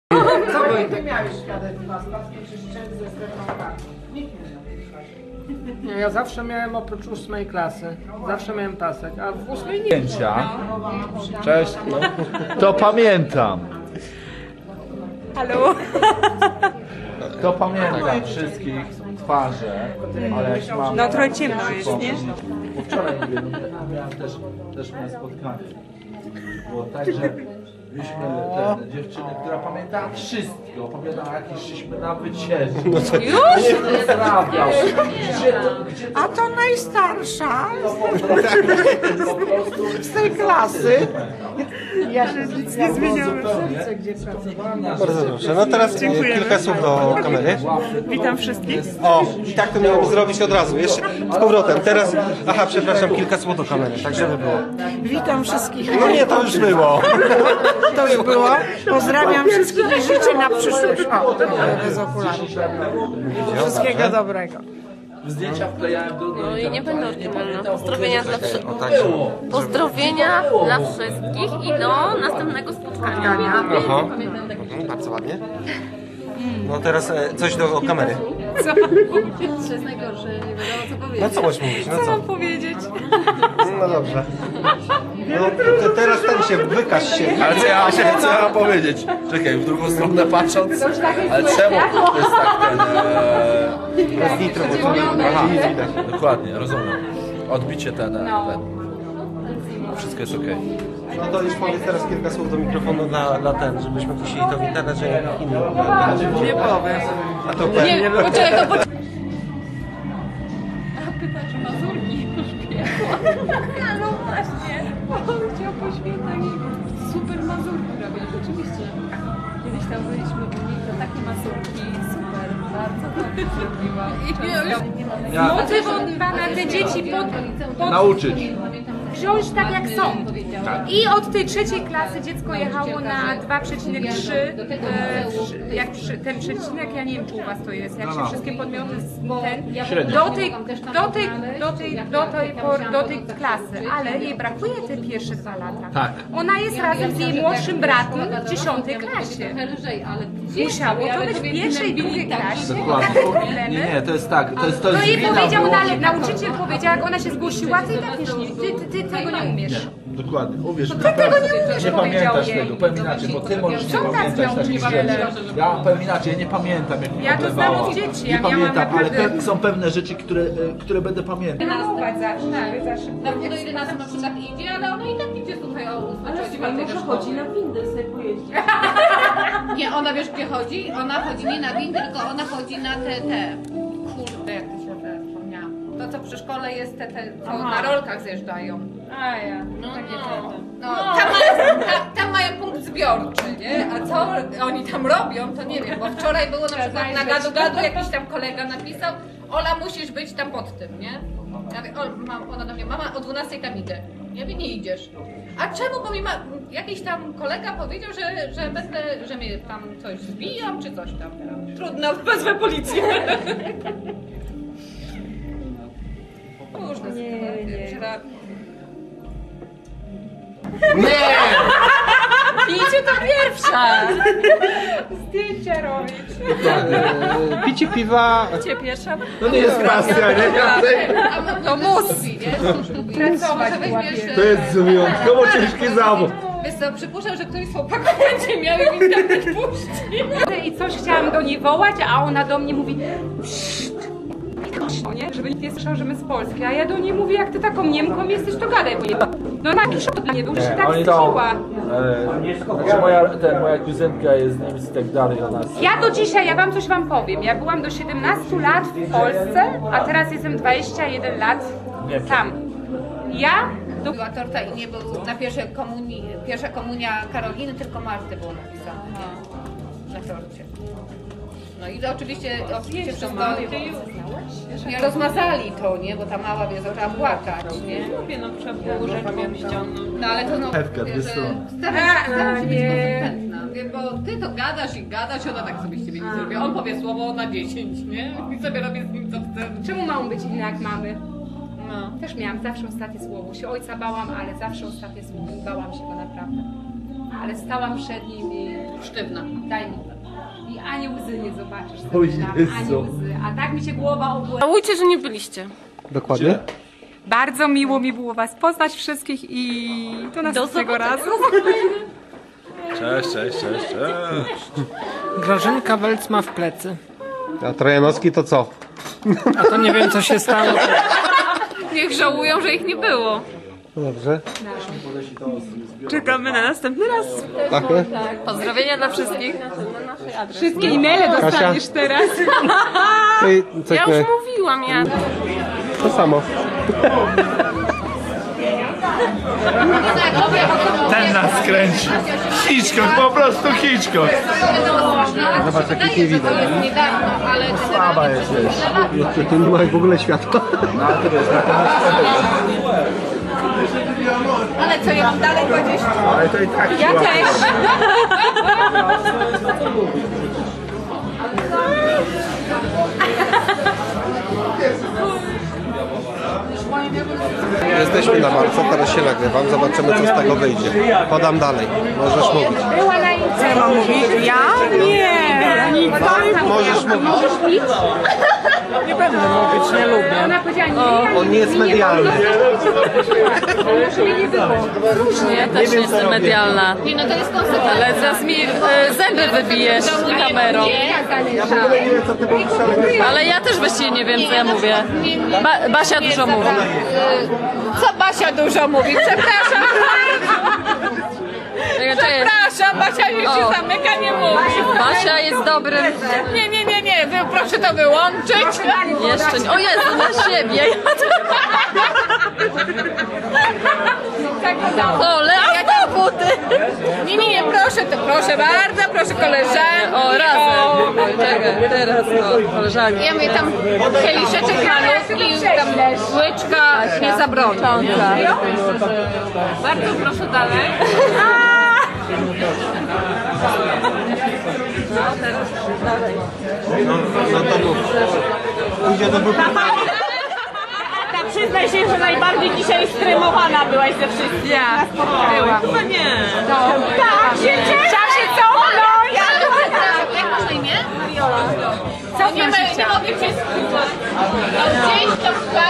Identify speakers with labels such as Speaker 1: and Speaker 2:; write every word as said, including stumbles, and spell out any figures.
Speaker 1: Co ty miałeś świadectwa? Sprawki czy szczęść ze strefą kartą? Nikt nie miał.
Speaker 2: Nie, ja zawsze miałem oprócz ósmej klasy, zawsze miałem pasek, a w ósmej nie.
Speaker 3: Zdjęcia. Cześć. To pamiętam.
Speaker 4: Halo?
Speaker 3: To pamiętam wszystkich twarze, ale jak mam...
Speaker 4: No trochę ciemno jest, nie?
Speaker 3: Bo wczoraj mówię, no, miałem też, też miałem spotkanie. Było tak, że mieliśmy tę dziewczynę, która pamiętała wszystko. Opowiadała, jak szliśmy na wycieczkę. No to już? Pozdrawiał. Gdzie to, gdzie to...
Speaker 1: A to najstarsza z tej klasy. Ja się nic nie zmieniałem. Gdzie pracowałam.
Speaker 5: Bardzo dobrze. No teraz kilka słów do kamery.
Speaker 4: Witam wszystkich.
Speaker 5: O, i tak to miało zrobić od razu. Jeszcze z powrotem. Teraz, aha, przepraszam, kilka słów do kamery, tak żeby było.
Speaker 1: Witam wszystkich.
Speaker 5: No nie, to już było.
Speaker 1: To już było. Pozdrawiam wszystkich i życzę na przyszłość. O, bez okularów. Wszystkiego dobrego.
Speaker 3: Zdjęcia wklejałem do...
Speaker 6: No i nie będę oryginalna. Pozdrowienia dla wszystkich.
Speaker 5: O, także.
Speaker 6: Pozdrowienia dla wszystkich i do następnego spotkania.
Speaker 5: Aha. Mhm, bardzo ładnie. No teraz e, coś do kamery.
Speaker 6: Co? To jest najgorsze, nie wiadomo co powiedzieć.
Speaker 5: No co możesz mówić? No
Speaker 4: Co
Speaker 5: co?
Speaker 4: mam powiedzieć?
Speaker 5: No dobrze. No te, teraz ten się, wykaż się.
Speaker 3: Ale co ja, się, co ja mam powiedzieć? Czekaj, w drugą stronę patrząc. Ale czemu to jest tak ten... Ee...
Speaker 5: Bez nitro, bo to aha, nic widać.
Speaker 3: Dokładnie, rozumiem. Odbicie ten, ten, ten. Wszystko jest okej.
Speaker 5: No to już powiedz teraz kilka słów do mikrofonu dla, dla ten, żebyśmy puścili to w internet, że nie inni.
Speaker 1: Nie powiem.
Speaker 5: A to pewnie.
Speaker 6: Nie, poczekaj, to poczekaj. A pyta, czy Mazurki już piekła. No właśnie. On chciał po świętach i super Mazurki robią, rzeczywiście. Kiedyś tam byliśmy u nich, to takie Mazurki, super, bardzo dobrze zrobiła.
Speaker 3: Ja
Speaker 7: Motywowana te dzieci pod, pod
Speaker 3: nauczyć.
Speaker 7: wziąć tak jak są. I od tej trzeciej klasy dziecko jechało na dwa przecinek trzy. E, jak przy, ten przecinek, ja nie wiem czy u was to jest, jak się wszystkie podmioty z ten, do tej, do tej, do tej, do tej, por, do tej klasy, ale jej brakuje te pierwsze dwa lata.
Speaker 3: Tak.
Speaker 7: Ona jest razem z jej młodszym bratem w dziesiątej klasie. Musiało to być w pierwszej i drugiej klasie.
Speaker 3: Dokładnie.
Speaker 7: Problemy.
Speaker 3: Nie, nie, to jest tak. To jest, to
Speaker 7: No
Speaker 3: jest
Speaker 7: jej
Speaker 3: wina
Speaker 7: powiedział
Speaker 3: wyłącznie-
Speaker 7: dalej, nauczyciel powiedział, jak ona się zgłosiła, ty i tak wiesz, nie, ty, ty, ty tego nie umiesz.
Speaker 3: Dokładnie, uwierz mi,
Speaker 7: Ty tego nie umiesz,
Speaker 3: nie
Speaker 7: powiedział
Speaker 3: pamiętasz
Speaker 7: jej.
Speaker 3: tego, powiem inaczej, bo ty możesz nie
Speaker 7: Co tak
Speaker 3: pamiętać
Speaker 7: miał
Speaker 3: takich
Speaker 7: wiele?
Speaker 3: rzeczy. Ja powiem inaczej, ja nie pamiętam jak mi
Speaker 7: Ja to
Speaker 3: odlewała.
Speaker 7: znam od dzieci,
Speaker 3: Nie
Speaker 7: ja miałam
Speaker 3: pamiętam, ale
Speaker 7: naprawdę-
Speaker 3: pe są pewne rzeczy, które, e, które będę pamiętał.
Speaker 7: Trenować zawsze, tak, zawsze.
Speaker 6: Tam do jedenastu na przykład idzie, ale ona i tak idzie tutaj o ósmej czy chodzi na windę sobie pojeździć. Nie, ona wiesz gdzie chodzi? Ona chodzi nie na windy, tylko ona chodzi na te, te, kurde jak to się te wspomniałam. To co przy szkole jest te, te co na rolkach zjeżdżają.
Speaker 7: A ja.
Speaker 6: No, no.
Speaker 7: No.
Speaker 6: Tam, mają, ta, tam mają punkt zbiorczy, nie? A co oni tam robią, to nie wiem, bo wczoraj było na przykład na gadu gadu jakiś tam kolega napisał, Ola musisz być tam pod tym, nie? Ja mówię, o, mam, ona do mnie, mama o dwunastej tam idę. Ja mówię, nie idziesz. A czemu? Bo mi ma, jakiś tam kolega powiedział, że, że będę, że mnie tam coś zbijam czy coś tam. Trudno, wezmę policję. Różne sytuacje.
Speaker 7: Pijcie to pierwsza! Zdjęcia robić.
Speaker 5: Picie piwa.
Speaker 7: Picie pierwsza.
Speaker 3: No nie jest pasja, nie?
Speaker 6: To mus.
Speaker 7: Pracować była
Speaker 3: To jest wyjątkowo ciężki zawód.
Speaker 6: Wiesz co, przypuszczam, że któryś z chłopaków będzie miał i mi tam nie puści.
Speaker 7: I coś chciałam do niej wołać, a ona do mnie mówi pszt, nie? Żeby nikt nie słyszał, że my z Polski. A ja do niej mówię, jak ty taką Niemką jesteś, to gadaj, bo nie. No taki szok dla mnie był, że się tak
Speaker 3: Oni to...
Speaker 7: wstydziła.
Speaker 3: E, znaczy moja, ten, moja kuzynka jest z Niemiec i tak dalej, ona...
Speaker 7: Ja do dzisiaj, ja wam coś wam powiem. Ja byłam do siedemnastu lat w Polsce, a teraz jestem dwadzieścia jeden lat tam. Ja do...
Speaker 6: Była torta i nie był na pierwszej komunii, pierwsza komunia Karoliny, tylko Marty było napisane, nie? Na torcie. No i to oczywiście, oczywiście wszystko... Nie rozmazali to, nie? Bo ta mała wie, zaczęła płakać, nie?
Speaker 4: Mówię, no trzeba było rzeczą ściągnąć.
Speaker 6: No ale to no...
Speaker 3: Ewka,
Speaker 6: wie,
Speaker 3: dwie
Speaker 6: że
Speaker 3: strony.
Speaker 6: Staram się, staram się być
Speaker 7: nie.
Speaker 6: konsekwentna, wie, bo ty to gadasz i gadasz, ona tak sobie z ciebie nie zrobi. On powie słowo na dziesięć, nie? I sobie robię z nim co chce.
Speaker 7: Czemu mam być inna jak mamy?
Speaker 6: No.
Speaker 7: Też miałam zawsze ostatnie słowo. Się ojca bałam, ale zawsze ostatnie słowo. Bałam się go naprawdę. Ale stałam przed nim i
Speaker 6: Sztywna.
Speaker 7: daj mi. I ani łzy nie zobaczysz.
Speaker 3: O
Speaker 7: Myślałam,
Speaker 3: Jezu.
Speaker 7: ani łzy. A tak mi się głowa obłędła.
Speaker 4: Żałujcie, że nie byliście.
Speaker 5: Dokładnie?
Speaker 7: Bardzo miło mi było was poznać wszystkich i do następnego razu.
Speaker 3: Cześć, cześć, cześć, cześć.
Speaker 2: Grażynka Welc ma w plecy.
Speaker 5: A Trojanowski to co?
Speaker 2: A to nie wiem, co się stało.
Speaker 4: Niech żałują, że ich nie było.
Speaker 5: Dobrze.
Speaker 4: Czekamy na następny raz.
Speaker 5: Tak?
Speaker 4: Pozdrowienia dla wszystkich. Na naszej adres.
Speaker 7: Wszystkie e-maile dostaniesz teraz.
Speaker 5: Ej, coś
Speaker 4: Ja
Speaker 5: nie...
Speaker 4: już mówiłam, ja.
Speaker 5: To samo.
Speaker 3: Ten nas kręci. Hitchcock, po prostu Hitchcock.
Speaker 5: Zobacz, jakich nie widać.
Speaker 6: Niedawno, ale
Speaker 3: Słaba jesteś.
Speaker 5: Jeszcze tu nie ma w ogóle światła.
Speaker 6: Ale co, ja mam dalej dwadzieścia.
Speaker 3: Ale to i tak
Speaker 7: Ja też.
Speaker 5: Jesteśmy na walce, teraz się nagrywam, zobaczymy co z tego wyjdzie. Podam dalej, możesz mówić.
Speaker 7: Była na
Speaker 1: Co mam mówić? Ja? Nie. Nic.
Speaker 5: Możesz mówić.
Speaker 2: Nie będę mówić, nie lubię.
Speaker 7: Ona powiedziała nie.
Speaker 5: On nie jest medialny.
Speaker 7: Może mnie nie było.
Speaker 4: Ja też nie jestem medialna.
Speaker 6: Nie, no to jest konsekwencja.
Speaker 4: Ale zaraz mi e, zęby wybijesz kamerą. Ale ja też właściwie nie wiem, co ja mówię. Ba Basia dużo mówi.
Speaker 6: Co Basia dużo mówi? Przepraszam. Przepraszam, Basia już się
Speaker 4: O.
Speaker 6: zamyka, nie mówi.
Speaker 4: Basia jest dobrym...
Speaker 6: Nie, nie, nie, nie, wy, proszę to wyłączyć.
Speaker 4: Jeszcze nie... O Jezu, na siebie! O, jasne buty!
Speaker 6: Nie, nie, nie, proszę, to proszę bardzo, proszę koleżanki.
Speaker 4: O, razem! Czekaj, teraz o, koleżanki.
Speaker 6: Ja mówię tam kieliszeczek malutki, tam łyczka nie zabroni. Bardzo proszę dalej.
Speaker 5: No, no to mów. Pójdzie do buty.
Speaker 8: Przyznaj się, że najbardziej dzisiaj streamowana byłaś ze wszystkich.
Speaker 4: Ja.
Speaker 8: Byłam.
Speaker 4: Chyba nie.
Speaker 8: Tak, się cieszę się cofnąć!
Speaker 6: Jak masz na imię? Co nie, ma, nie mogę cię skupić. Gdzieś tam